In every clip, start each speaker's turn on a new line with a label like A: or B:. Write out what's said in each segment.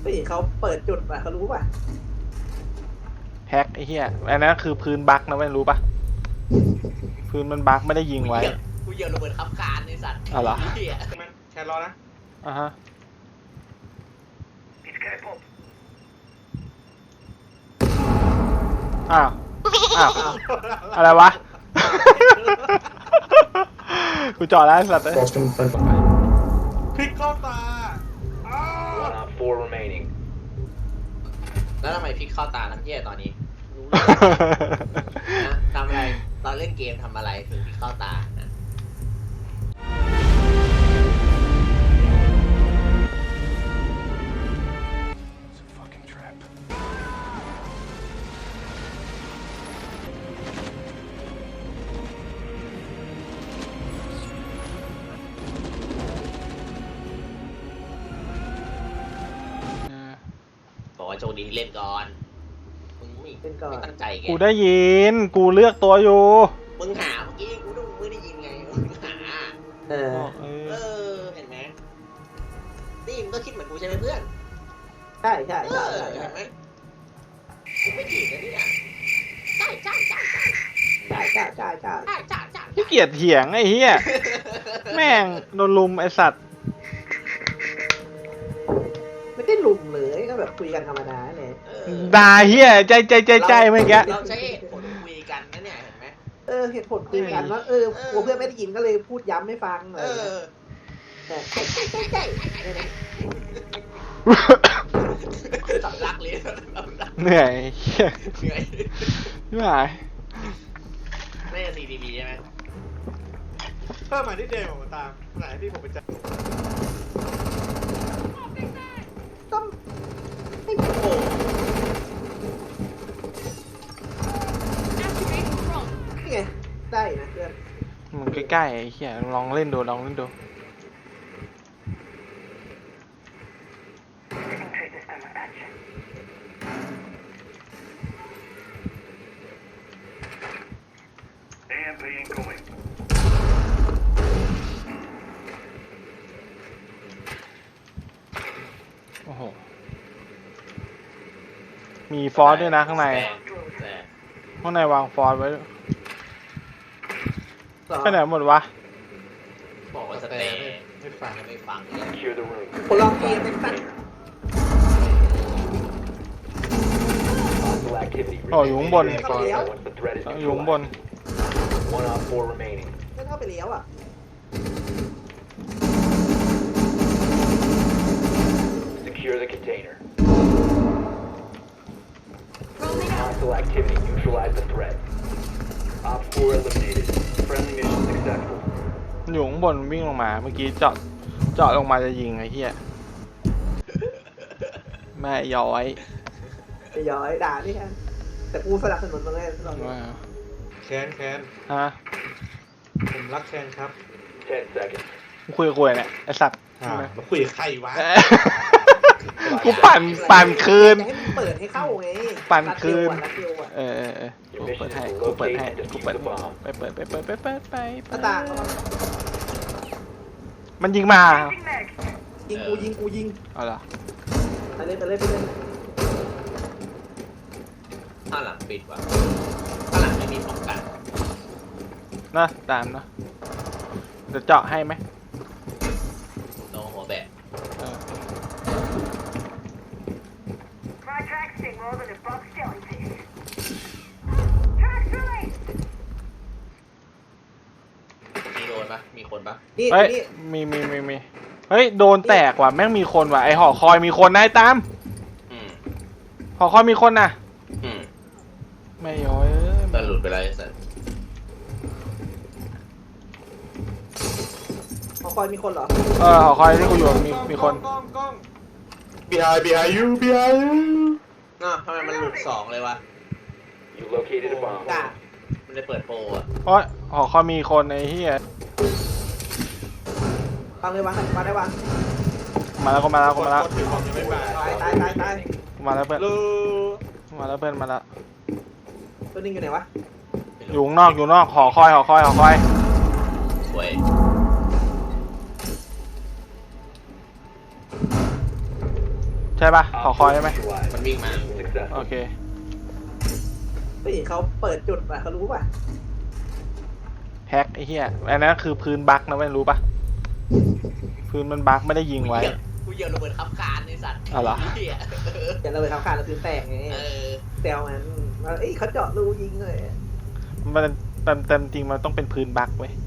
A: เฮ้ยเขาเปิดจุดป่ะเขารู้ป่ะ
B: แฮกไอ้เหี้ยอันนั้นคือพื้นบั๊กนะไม่รู้ป่ะพื้นมันบั๊กไม่ได้ยิงไว้
C: กูเหยียบระเบิดขับคานไอ้สัตว์
B: อ๋อเหรอ
D: แค่รอนะ
B: ฮะอ้าวอะไรวะกูจอดแล้วสัตว์เลย
D: พลิกเข้าตา
E: One on four remaining.
C: แล้วทำไมพลิกเข้าตาน้ำเยี่ยตอนนี้รู้เลยนะทำอะไรตอนเล่นเกมทำอะไรถึงพลิกเข้าตานะบอกว่าโชคดีที่เล่นก่อนมึงไม่ตั้งใจไง
B: กูได้ยินกูเลือกตัวอยู่
C: มึงหาเมื่อกี้กูดูไม่ได้ยินไงมึงหาเห็นไหมนี่มึงก็คิดเหมือนกูใช่ไหมเพื่อน
A: ใช่
C: เห็นไหมกูไม่ผิดนะเนี่ยใช่
B: ขี้เกียจเถียงไอ้เหี้ยแม่งโดนลุมไอ้สัตว์
A: ไม่ได้ลุมเลยก็แบบคุยกันธรรมดาเนี่ย
B: ด่าเหี้ยใจเมื่อกี้
C: เราใช้เหตุผลคุยกันนะเนี่ยเห็นไหม
A: เหตุผลคุยกันว่ากลัวเพื่อนไม่ได้ยินก็เลยพูดย้ำไม่ฟังใช่
C: สำลักเลย
B: เหนื่อยไม่ไหว
C: ไม่ใช่ CDB ใช่ไหม
D: เพิ่มมาที่เดมออกมาตามไหนที่ผมไปจับ
A: ต้องให้โอ้นี่ไงได้นะเพื่อน
B: มึงใกล้ๆไอ้เหี้ยลองเล่นดูโอ้โหมีฟอสด้วยนะข้างในวางฟอสไว้ไปไหนหมดวะ
C: บอกว่าสเตย์ไม่ฟัง
A: คนลองเกมเป็นสัตว์
B: โอ้อยู่ข้างบนอยู่ข้างบน
E: One on four remaining.
A: ไม่เข้าไปเลี้ยวอ่ะ
E: Secure the container. Hostile activity. Neutralize the threat. Op 4 eliminated. Friendly mission successful.
B: อยู่ข้างบนวิ่งลงมาเมื่อกี้เจาะลงมาจะยิงไอ้เหี้ยแม่ย้อย
A: ด่านี่ฮะแต่กูสนับสนุนตรงนี้
D: แคน
B: ฮะ
D: ผมรักแคนครับ
E: 10 seconds
B: คุยเนี่ยไอ้สัตว์
D: มาคุยกับใครวะ
B: กูปั่นคืน
A: ให้เปิดให้เข้าไง
B: ปั่นคืน
E: Your
B: กู
E: mission
B: เปิด
E: is
B: ให้
E: to
B: กูเปิด
E: locate
B: ให้
E: and
B: กู
E: defuse
B: เปิด
E: the bomb.
B: ไปเปิด
A: หน้าต่าง
B: มันยิงมา
A: ยิงกูยิง
B: เอาล่ะ
A: ไปเลย
C: ข้างหลังปิดว่ะข้างหลังไม่มีป้องกัน
B: นะตามนะเดี๋ยวเจาะให้ไหม
C: โนหัวแบะมีโดนปะมีคนปะ
B: เฮ้ยมีเฮ้ยโดนแตกว่ะแม่งมีคนว่ะไอหอคอยมีคนนะไอ้ตามหอคอยมีคนน่ะไม่ย้อย
C: แต่หลุดไปแล้วไอ้สัส
A: หอคอยมีคนเหรอ
B: หอคอยที่กูอยู่มีคน
D: กล้อง behind you
C: ทำไมมันหลุด2เลยวะ
E: You located a bomb.
C: มันได้เปิดโปรอ่ะ
B: เพราะหอคอยมีคนไอ้เหี้ยว
A: างเลยวางได้วาง
B: มาแล้ว
A: ตาย
B: มาแล้วเพื่อน
A: ตัวนึงอยู่ไหนวะ
B: อยู่นอกหอคอย
C: สวย
B: ช่ปะหอคอยใช่ไหม
C: มันวิ่งมา
B: โอเค
A: ไม่เห็นเขาเปิดจุดป่ะเขารู้ป่ะ
B: แฮกไอ้เหี้ยอันนั้นคือพื้นบั๊กนะไม่รู้ปะพื้นมันบั๊กไม่ได้ยิงไว้
C: กูเหยียบระเบิดขับคานไอ้สัตว์
B: อ๋อเหรอ
C: เหี้ย
A: แต่เราไปทำการเราคือแตกไง
C: เออ
A: แซวมันว่าเอ้ยเขาเจาะรูยิงเลย
B: มันเต็มจริงมันต้องเป็นพื้นบั๊กเว้ย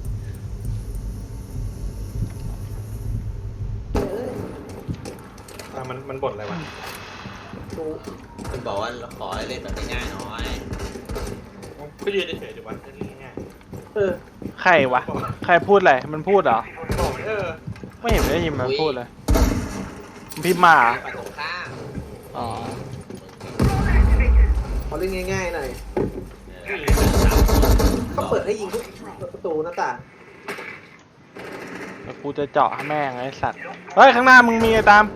D: มันบ่นอะไรวะ
A: ดู
C: มันบอกว่าขอให้เล่นแบบง่ายๆหน่อย
D: ก็ยืนเฉยๆดีวะนี่ง่าย
A: เออ
B: ใครวะใครพูดอะไรมันพูดเหรอ
D: บอกเออ
B: ไม่เห็นได้ยินมันพูดเลยมันพิมพ์มาเหรอ
C: ฝั่งตรงข้าม
B: อ๋อ
A: เขาเล่นง่ายๆหน่อย
C: เออ
A: เขาเปิดให้ยิงทุกประตูหน้าต่าง
B: แล้วกูจะเจาะให้แม่งไอ้สัตว์เฮ้ยข้างหน้ามึงมีไอ้ตาม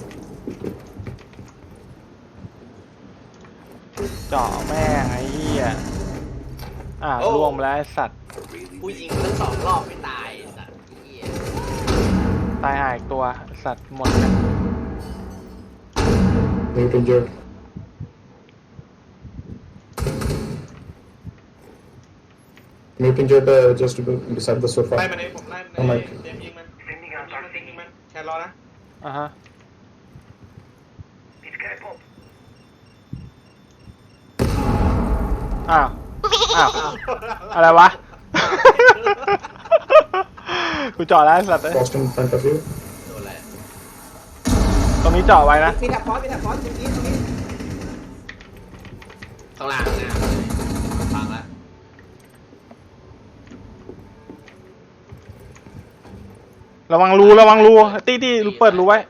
B: เจาะแม่งไอ้เหี้ยล่วงไปแล้วไอ้สัตว์
C: กูยิงทั้ง2 รอบไม่ตายไอ้สัตว์เหี้ย
B: ตายหายอีกตัวสัตว์หมดเลย
F: Mutant Jerk. Mutant Jerk just beside the sofa.
D: ไล่มันเองผมไล่มัน
F: ทำไม
D: เจมส์ยิงมันยิงมันแค่รอนะ
B: อ่ะฮะอ้าวอะไรวะ กูเจาะแล้วไอ้สัตว์เลย
F: Frost in front of you.
C: โดนอะไร
B: ตรงนี้เจาะไว้นะ
A: มีแท็บพอสตรงนี้
C: ข้างล่างหน้าฟังแล้ว
B: ระวังรูตี้เปิดรูไว้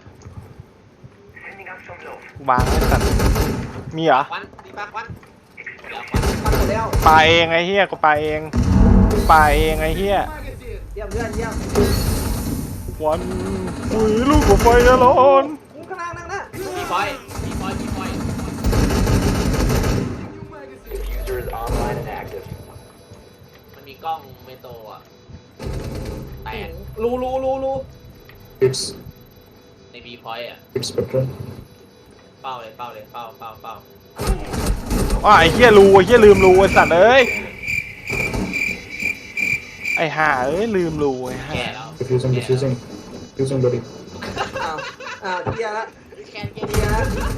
B: วางไอ้สัตว์มีเหรอ
C: ควันดีปะควันเดี๋ยวควัน
A: ทำหมดแล้ว
B: ปลาเองไอ้เหี้ยกูปลาเองไอ้เหี้ย
A: เยี่ยมเพื่อนเยี่ยม
B: วันคุยลูกกับไฟจะร้อน
A: มึงข้างล่างนั่งนะ
C: มีพอย
E: Diffuser is online and active.
C: มันมีกล้องเมโตรอ่ะแตก
A: รู
F: It's
C: ในบีพอยอ่ะ
F: Spectrum.
C: เป้าเป้า
B: อ้าวไอ้เหี้ยลืมรูไอ้สัตว์เอ้ยไอ้ห่าเอ้ยลืมรูไอ้ห่า
C: แก่แล้ว
F: Diffusing. Diffusing, buddy.
A: อ้าวเกียร์ละ
C: แคนเกีย
A: เกียร์ละ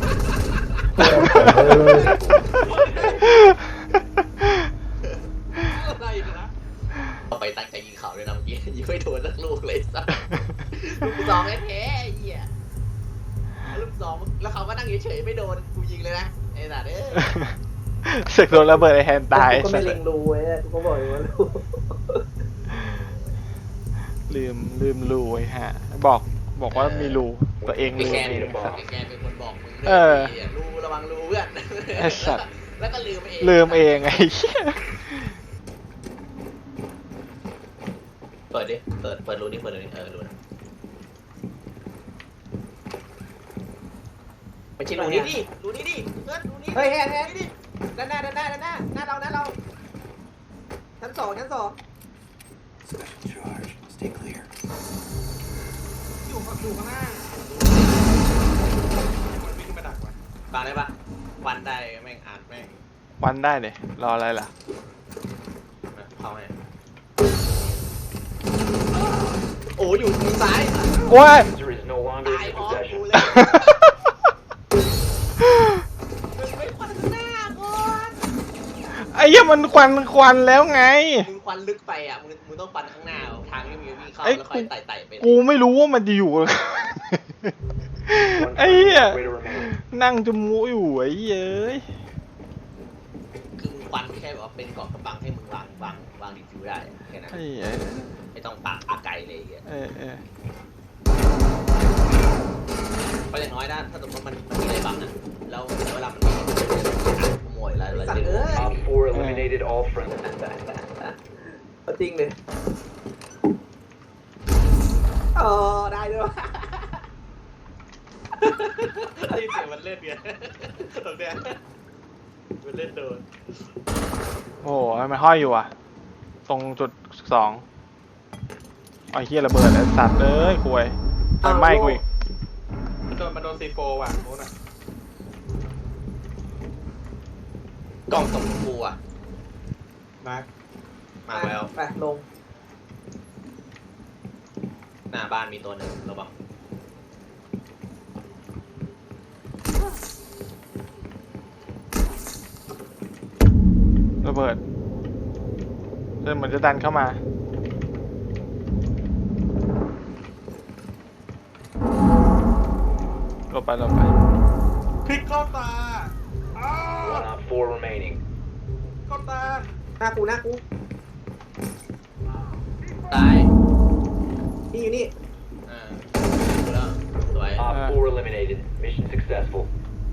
C: อะไรนะเอาไปตั้งใจยิงเขาเลยนะเมื่อกี้ยิงไม่โดนสักลูกเลยสัสลูกซองแท้ๆไอ้เหี้ยลูกซองแล้วเขาก็นั่งเฉยๆไม่โดนกูยิงเลยนะไอ้สัสเอ้ย
B: เสกโดนระเบิดไอ้แฮนตาย
A: กูก็ไม่เล็งรูไว้กูก็บอกอยู่ว่ารู
B: ลืมรูไอ้ห่าบอกว่ามีรูตัวเอง
C: ไอ้
B: ลืม
C: แคน
B: เอง
C: ไอ้แคนเป็นคนบอกมึง
B: เออ
C: รูระวังรูเพื่อน
B: ไอ้สัตว์
C: แล้วก็ลืมเอง
B: ลืมเองไอ้เหี้ย
C: เปิดดิเปิดรูนี่รูนะไม่ใช่รูนี้ดิรูนี้ดิเพื่อนรูนี้
A: เฮ้ยแฮน
C: ดิ
A: ด้านหน้าเราชั้นสอง
D: อยู่ข้างหน้ามันวิ่งมาดักวะ
C: ฟังได้ปะวันได้แม่งอ่านแม่ง
B: วันได้เลยรออะไรล่ะ
C: เข้าให้โอ้อยู่ทางซ้าย
B: โอ้ย
E: Diffuser is no longer
C: ตาย
E: in
C: พร้อม
E: possession.
C: กูเลยมึงไม่ควันข้างหน้าก่อน
B: ไอ้เหี้ยมันควันแล้วไง
C: มึงควันลึกไปอ่ะมึงต้องควันข้างหน้าทางที่มึงวิ่งเข้า
B: ไอ้
C: แล้วค่อยไต่ไป
B: กูไม่รู้ว่ามันจะอยู่
E: One
B: ไอ้เหี้ย
E: way to remain.
B: นั่งจมูกอยู่ไอ้เย้ย
C: คือมึงควันแค่แบบว่าเป็นเกาะกำบังให้มึงวางดีฟิวได้แค่นั้น
B: ไอ้เหี้ย
C: ไม่ต้องปากอาไกลเลยไอ้เหี้ย
B: เออ
C: เพราะอย่างน้อยถ้าสมมติมันมีอะไรบังนะแล้วเวลามันมีขโมยแล้วเราจะ
E: Op 4 eliminated all friendly.
A: จริงเลยได้ด้วย
D: ได้ยินเสียงมันเล่นเงี้ยตรงเนี้ยมันเล่นโดน
B: โอ้โหทำไมห้อยอยู่อ่ะ ตรงจุด2ไอ้เหี้ยระเบิดไอ้สัตว์เอ้ยคุยไฟไหม้กูอีก
D: มันโดนมันโดนซีโฟว่ะโน้นอ่ะ
C: กล่องตกกูอ่ะ
D: มาร์ค
C: มาแล้ว
A: ไปลง
C: หน้าบ้านมีตัวหนึ่งระวัง
B: ระเบิดเดินเหมือนจะดันเข้ามาหลบไป
D: พลิกเข้าตาอ้าว
E: One op 4 remaining.
D: เข้าตา
A: หน้ากูหน้ากู
C: ตาย
A: นี่อยู่นี่
C: ดูแล้วสวย
E: Op 4 eliminated. Mission successful.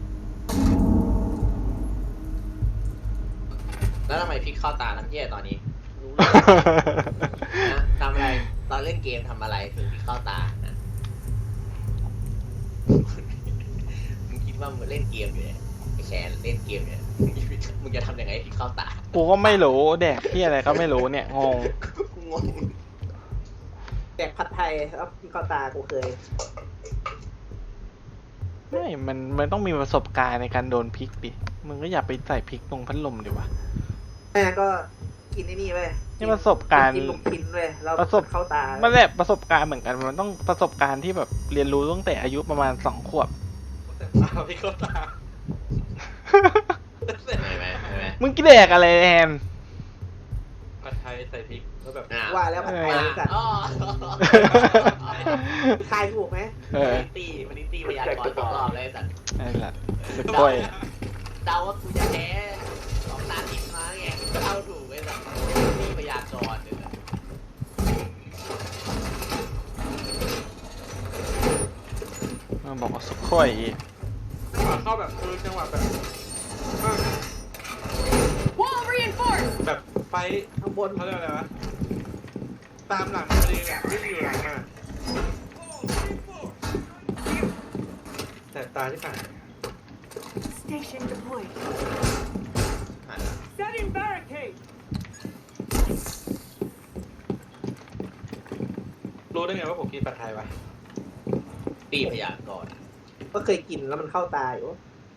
C: แล้วทำไมพลิกเข้าตาน้ำแย่ตอนนี้รู้เลยนะทำอะไรตอนเล่นเกมทำอะไรถึงพลิกเข้าตานะมึงคิดว่ามึงเล่นเกมอยู่เนี่ยไอ้แชร์เล่นเกมเนี่ยมึงจะทำยังไงให้พลิกเข้าตา
B: กูก็ไม่รู้แดกที่อะไรก็ไม่รู้เนี่ยงง
C: กูงง
A: แดกผัดไทยแล้วพี่เข้าตากูเคย
B: ไม่มันต้องมีประสบการณ์ในการโดนพริกดิมึงก็อย่าไปใส่พริกตรงพัดลมดิวะ
A: แม่ก็กินไอ้นี่เว้ย
B: นี่ประสบการณ์
A: กินลูกชิ้นเว้ยแล้ว
B: ประสบ
A: เข้าตา
B: มันแบบประสบการณ์เหมือนกันมันต้องประสบการณ์ที่แบบเรียนรู้ตั้งแต่อายุประมาณ2 ขวบ
D: อ้าวพลิกเข้าตา
C: ไม่ไหม
B: มึงกินแดกอะไรแอน
D: ผัดไทยใส่พริกแล้วแบบ
A: ว่าแล้วผัดไทย
C: มา
A: สัตว์
C: อ๋อ
A: ทายถูกไหม
B: เออ
C: มันนี่ตีพยากรณ์สองรอบเลยไอ้สัตว์
B: นั่นแหละสกอย
C: เดาว่ากูจะแพ้สองตาติดมาไงเดาถูกไอ้สัตว์ตีพยากรณ์เลยนะ
B: มันบอกว่าสกอย
D: จังหวะเข้าแบบคือจังหวะแบบแบบไฟ
A: ข้างบน
D: เขาเรียกอะไรวะตามหลังมาเลยเนี่ยวิ่งอยู่หลังมาแต่ตาที่ผ่าน
G: Station deployed.
C: หัน
G: Setting barricade.
D: รู้ได้ไงว่าผมกินผัดไทยวะ
C: ตีพยากรณ์
A: ก็เคยกินแล้วมันเข้าตาอยู่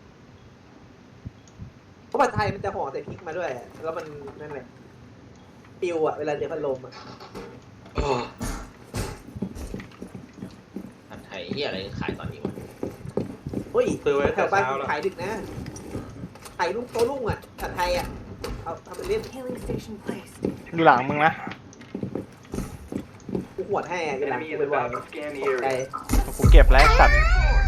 A: เพราะผัดไทยมันจะห่อใส่พริกมาด้วย แล้วมันนั่นแหละปิวอะเวลาเจอพัดลมอะ
C: ผัดไทยเหียอะไรขายตอนนี้วะ
A: เฮ้ย
D: ซื้อไว้
A: แถ
D: แต่
A: วบ้าน
D: เช้าแล้ว
A: ขายดึกนะขายลูกโตลุ่งอะผัดไทยอะเอาทำเป็นเล่น
G: Healing station placed.
B: อยู่หลังมึงนะ
A: กูหวดให้อะเวลา
E: Enemy
A: กู
E: is
A: ไปบ่อย
E: about to scan the
A: ตกใจ
E: area.
B: กูเก็บแล้วไอ้สัตว์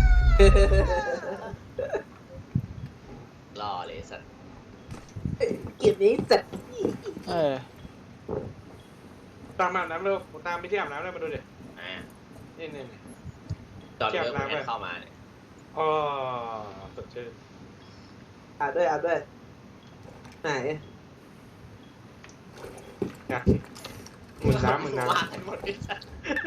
C: รอเลยสัตว์
A: เกียรนี้จัด
B: เออ
D: ตามอาบน้ำเร็วตามไปที่อาบน้ำเร็วมาดูดิ
C: อ่า
D: นี่
C: ตอนเริ่มแอนเข้ามาเนี่ย
D: อ๋อสดชื่น
A: อาบด้วยไหน
D: นะหมื่นน้ำ
C: ว่ากันหมดไอ้สัตว์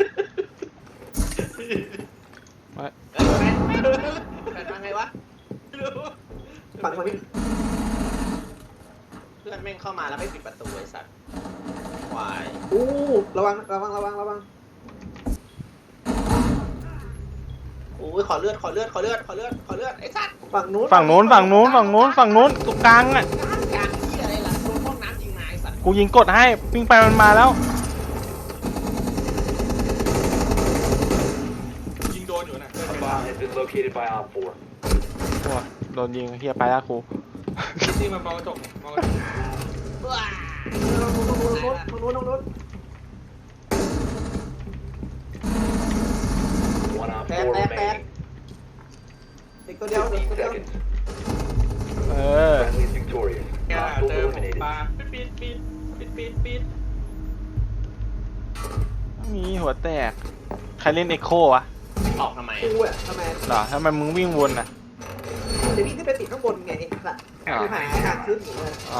B: ว่า
C: แฟนมาไงวะ
A: ฝั่งมัน
C: เพื่อนแม่งเข้ามาแล้วไม่ปิดประตูไอ้สัตว์ควาย
A: อู้ระวัง
C: โอ้ยขอเลือดไอ้สัตว์
A: ฝั่งนู้น
B: ฝั่งนู้นตรงกลางอ่ะ
C: กลางที่อะไรล่ะโดนห้องน้ำยิงนายสัตว์
B: กูยิงกดให้วิ่งไปมันมาแล้ว
D: ยิงโดนอยู่นะ
E: A bomb has been located by Op 4.
B: โอ้ยโดนยิงเฮียไปแล้วกู
D: ที่มันมองกระจกมองกระจก
C: ว้า
A: ตรงนู้น
E: One Op 4
A: แตก
E: remaining.
A: อีกตัวเดียว
E: 15 seconds.
B: เออ
E: Friendly is victorious.
D: แก
E: Op
D: เจอ
E: 4
D: ผม
E: eliminated.
D: ปลาปิด
B: มีหัวแตก ใครเล่นเอ็กโควะ
C: ออกทำไม
A: กูอะทำไม
B: เหรอทำไมมึงวิ่งวนอ่ะ
A: เดี๋ยวพี่ขึ้นไปติดข้างบนไงไอ้สัตว์กูหาทางขึ้นอยู่เลย
B: อ๋อ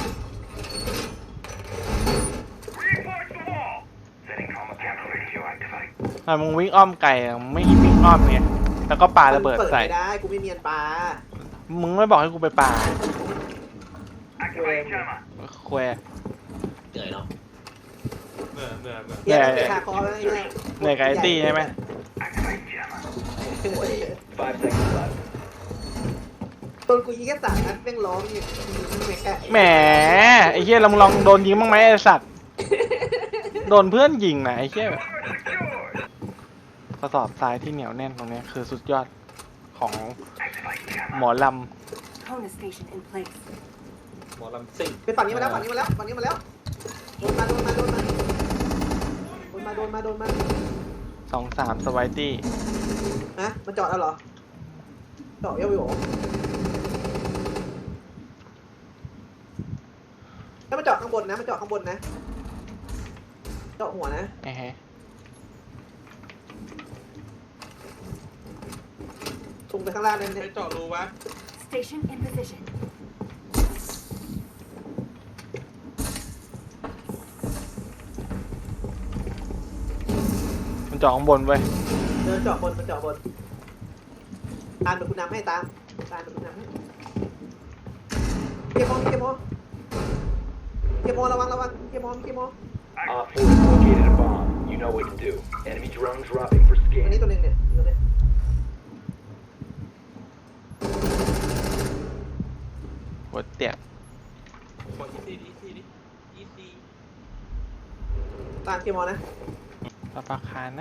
B: ทำไมมึงวิ่งอ้อมไก่อะมึงไม่วิ่งอ้อมไงแล้วก็ปาระเบิดใส่
A: ไม่ได้กูไม่เนียนปลา
B: มึงไม่บอกให้กูไปปา
A: กูเอง
B: แควร์
C: เหนื่อยเนาะ
D: เหนื่อย
A: เนียนไปคาคอแล้วไอ้เนี่ย
B: เหนื่อยกับไอ้ตี้ใช่ไหม
C: โอ้ย
E: 5 seconds left.
A: โดนกูยิงแค่3 นัดแม่งร้องอยู่ไม่แค่
B: แหมไอ้เหี้ยเราลองโดนยิงบ้างไหมไอ้สัตว์โดนเพื่อนยิงนะไอ้เหี้ยกระสอบทรายที่เหนียวแน่นตรงนี้คือสุดยอดของหมอล
G: Kona station in place.
D: หมอลำซิ่ง
A: เป็นฝั่งนี้มาแล้วฝั่งนี้มาแล้วฝั่งนี้มาแล้วโดนมาโดนมาโดนมาโดนมาโดนมาโดนมา
B: 2-3สไวตี้
A: ฮะมันจอดแล้วเหรอจอดเยอะไปหรอแล้วมันจอดข้างบนนะมันจอดข้างบนนะจอดหัวนะ
B: ไอ้เฮ้ย
A: ทุ่งไปข้างล่างนั่น
D: ไป
A: เนี่ย
D: เจาะรูวะ
G: Station in position.
B: มันเจาะข้างบนเว้ย
A: เดินจอดบนมันจอดบนตามเดี๋ยวคุณนำให้ตามเดี๋ยวคุณนำให้เกียร์โมเกียร์โมเกียร์โมระวังเกียร์โม
E: Op 4 has located a bomb. You know what to do. Enemy drone dropping for
A: ตัวนี้
E: scan.
A: ตัวหนึ่งเนี่ยตัวนี้
B: หัวเตียก
D: บอกอีซี่ดิอีซี่
A: ตามเกียร์โมนะ
B: ปะปะคานนะ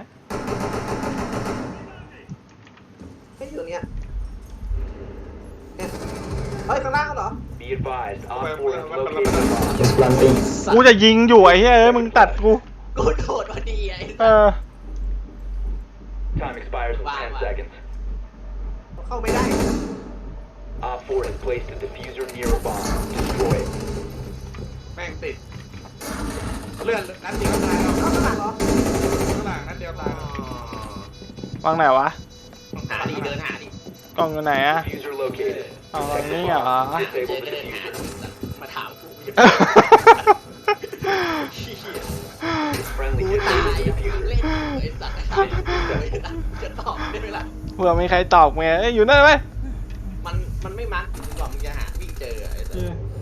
A: ไม่อยู่ตรงเนี้ยเนี่ยเฮ้ยข้างล่างเหรอ
E: Be advised, Op 4 has located a bomb.
F: Just planting.
B: กูจะยิงอยู่ไอ้เฮ้ยเอ้ยมึงตัดกู
C: กูโดดพอดีไอ้
B: เออ
E: Time expires in 10 seconds.
A: เข้าไม่ได้
E: Op 4 has placed a diffuser near a bomb. Destroy it.
D: แม่งติดเลื่อนนัดเดียวตายแล้ว
A: เข้าข้างหลังเหรอ
D: ข้างหลังนัดเดียวตายแล้ว
B: วางไหนวะ
C: หาดิเดินหาดิ
B: กล้องอยู่ไหนอะ
E: Diffuser located.
B: เอาวาง
E: Protect the
B: นี่เหรอ
E: bomb.
C: เจอ
E: Disable
C: ก็
E: the
C: เดินหา
E: diffuser.
C: มาถามกู
E: Friendly
C: กู
E: disable
C: ตาย
E: the
C: เล่น
E: diffuser.
C: ไอ้สัตว์จะตอบได้ไหมล่ะ
B: เผื่อมีใครตอบไงเอ้ยอยู่นั่นไหม
C: มันไม่มัดกว่ามึงจะหาวิ่งเจอไอ้สัตว์